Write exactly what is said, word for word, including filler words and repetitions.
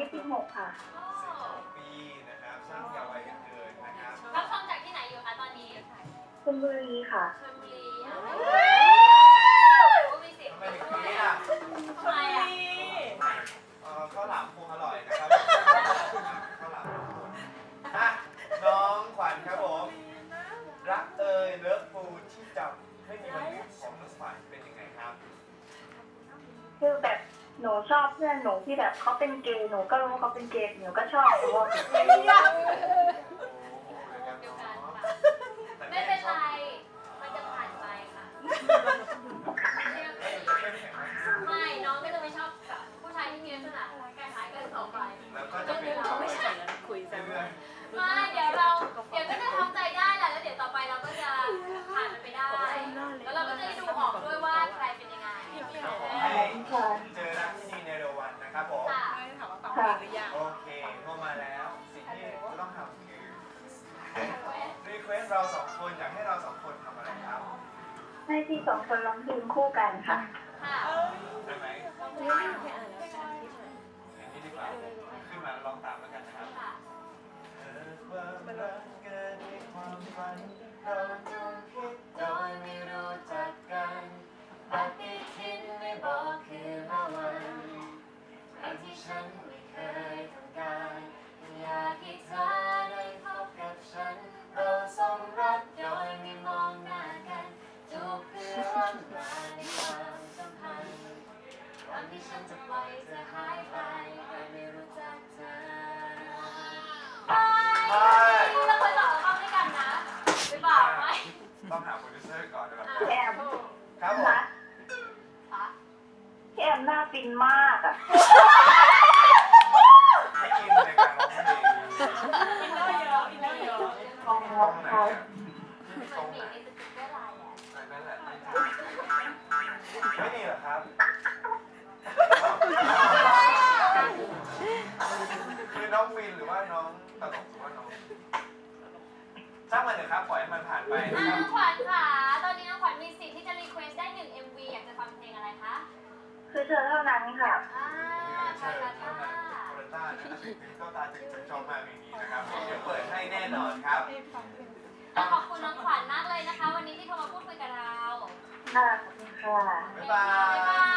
สิบหกค่ะสิบหกปีนะครับช่างเยาว์วัยกันเกินนะครับรับฟังจากที่ไหนอยู่คะตอนนี้ชลบุรีค่ะชลบุรีอ่ะมีสิทธิ์ทำไมถึงนี้อ่ะทำไมอ่ะเอ่อข้าวหลามคงอร่อยนะครับข้าวหลามคงอ่ะน้องขวัญครับผมรักเอ่ยเลิฟฟูที่จับไม่มีวันหยุดของน้องขวัญเป็นยังไงครับคือแบบหนูชอบเพื่อนหนูที่แบบเขาเป็นเกย์หนูก็รู้เขาเป็นเกย์หนูก็ชอบเพราะว่าเป็นเกย์เดียวกันค่ะไม่เป็นไรมันจะผ่านไปค่ะไม่น้องก็จะไม่ชอบกับผู้ชายที่มีลักษณะคล้ายๆกันต่อไปแล้วก็จะเป็นเราไม่ใช่คุยกันไม่เดี๋ยวเราเดี๋ยวก็จะทำใจได้แหละแล้วเดี๋ยวต่อไปเราก็จะผ่านมันไปได้แล้วเราก็จะได้ดูออกด้วยว่าใครเป็นยังไงให้เจอรักที่นี่ในเร็ววันนะครับผมถามว่าฟังเพลงหรือยังโอเคเข้ามาแล้วสิ่งที่ต้องทำคือรีเควสเราสองคนอยากให้เราสองคนทำอะไรครับให้พี่สองคนร้องเพลงคู่กันค่ะค่ะได้ไหมไม่ได้ไปอ่านแล้วค่ะอย่างนี้ดีกว่าขึ้นมาลองตามแล้วกันนะครับเกิดความรักเกิดในความฝันเราจงคิดโดยไม่รู้จักกันปฏิทินไม่บอกคืนละวันครั้งที่ฉันไม่เคยทำการอยากให้เธอได้พบกับฉันเราสมรักโดยไม่มองหน้ากันจูบเพื่อร่วมรายในความสัมพันธ์ก่อนที่ฉันจะปล่อยเธอหายไปโดยไม่รู้จักเธอเราเคยบอกเราเข้าด้วยกันนะหรือเปล่าไหมต้องหาโปรดิวเซอร์ก่อนนะครับแอมครับผมพี่แอมหน้าฟินมากอ่ะไม่กินในการร้องเพลงอินเนอร์เยอะอินเนอร์เยอะตรงไหนอ่ะตรงไหนนั่นแหละไม่ดีเหรอครับคือน้องวินหรือว่าน้องตลกหรือว่าน้องช่างมันเถอะครับปล่อยให้มันผ่านไปนะครับน้องขวัญค่ะตอนนี้น้องขวัญมีสิทธิ์ที่จะรีเควสได้หนึ่ง เอ็ม วี อยากจะฟังเพลงอะไรคะคือเธอเท่านั้นค่ะอ่าใช่ครับโคเรต้านะครับก็ตาจึงชอบมากอย่างนี้นะครับเดี๋ยวเปิดให้แน่นอนครับขอบคุณน้องขวัญมากเลยนะคะวันนี้ที่โทรมาพูดคุยกับเราค่ะขอบคุณค่ะบ๊ายบาย